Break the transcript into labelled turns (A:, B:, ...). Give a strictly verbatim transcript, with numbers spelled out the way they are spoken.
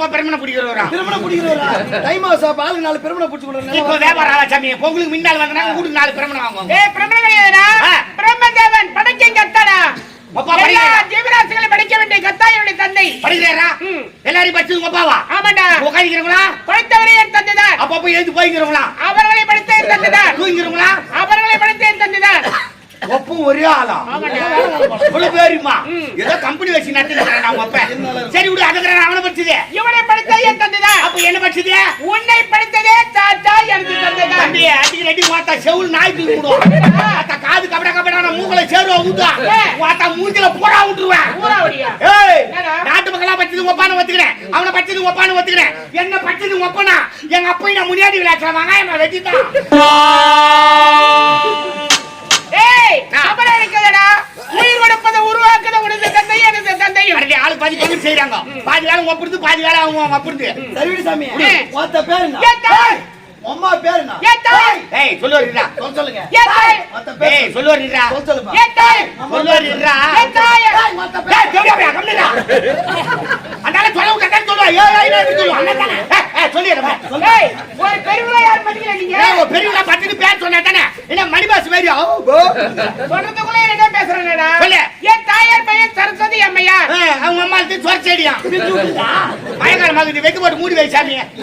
A: அப்பா பெருமனை பிடிக்கிறவரா?
B: பெருமனை பிடிக்கிறவரா? டைம் ஆசா பால் நாலு பெருமனை பிடிச்சு கொடுறேன்.
A: இப்போ வியாபாரம் ஆளா சாமி? பொங்கலுக்கு முன்னால வந்தனா கூடு நாலு பெருமனை வாங்குவாங்க.
C: ஏய் பிரம்ம கிடையாதுடா. பிரம்மதேவன் படைக்க கத்தாடா.
A: அப்பா படிக்கிறா.
C: ஜீவராசிகளை படைக்க வேண்டிய கத்தா என்னுடைய தந்தை.
A: படிக்கிறா? எல்லாரும் படிச்சது அப்பாவா?
C: ஆமாடா.
A: உட்கார்ந்திருக்கீங்களா?
C: படைத்தவரே என் தந்தைதான்.
A: அப்ப போய் எழுந்து போய்க்கிறீங்களா?
C: அவர்களை படைத்த என் தந்தைதான்.
A: தூங்கிறீங்களா?
C: அவர்களை படைத்த என் தந்தைதான்.
A: ஒப்பும் ஒரே ஆளா? இவ்வளவு பேருமா? ஏதோ கம்பெனி வச்சு நடத்திருக்கிறேன் நான் அப்ப. சரி விடு, அதுக்குறேன் அவனை படிச்சதே.
C: இவனை படைத்த என் தந்தைதான்.
A: அப்ப என்ன படிச்சதே?
C: உன்னை படைத்ததே தாத்தா எனக்கு தந்தைதான்.
A: தம்பி அடிக்கு ரெடி வாத்தா செவுல் நாய் தூக்கி விடுவோம். வாத்தா காது கபட கபடான மூக்கல சேருவா ஊத்தா. வாத்தா மூஞ்சில போடா விட்டுருவேன்.
C: ஊரா ஓடியா?
A: ஏய் நாட்டு மக்களா பச்சது ஒப்பான ஒத்துக்கிறேன். அவனை பச்சது ஒப்பான ஒத்துக்கிறேன். என்ன பச்சது ஒப்பனா? எங்க அப்பா நான் முன்னாடி விளையாடுற வெங்காயம் வெட்டிட்டான்.
C: ஏய் கபட இருக்கடா. உயிர் கொடுப்பத உருவாக்குத உனது தந்தை எனது தந்தை.
A: அரே ஆளு பாதி பங்கு செய்றாங்க. பாதி வேலை ஒப்புறது பாதி வேலை அவங்க ஒப்புறது.
B: சரிடி சாமி. வாத்த பேர் என்ன?
C: ஏத்தாய்.
B: அம்மா பேர் என்ன?
C: ஏத்தாய்.
A: ஏய் சொல்லுவீரா?
B: சொல் சொல்லுங்க.
C: ஏத்தாய்.
B: வாத்த பேர்.
A: ஏய் சொல்லுவீரா?
B: சொல் சொல்லுமா.
C: ஏத்தாய்.
A: சொல்லுவீரா?
C: ஏத்தாய்.
B: வாத்த
A: ஏய்
B: பேர்.
A: சொல்லுவீரா? கம்மிடா. அந்தால சொல்லுங்க கரெக்ட் சொல்லுவா. ஏய் ஏய் என்ன சொல்லுவா? அண்ணாதானே. ஏய் சொல்லிடுறா.
C: ஏய் ஒரு பெரியவளா யார் மதிக்கல நீங்க?
A: ஏய் பெரியவளா பத்திட்டு பேர் சொன்னா தானே. என்ன மணி பாஸ் வேறியா?
C: சொல்றதுக்குள்ள என்ன பேசுறேன்டா?
A: சொல்லு.
C: என் தாயார் பெயர் சரஸ்வதி அம்மையார்.
A: அவங்க அம்மா சொரச்சேடியா. மயக்கார மகதி வைக்க போட்டு மூடி வை சாமி.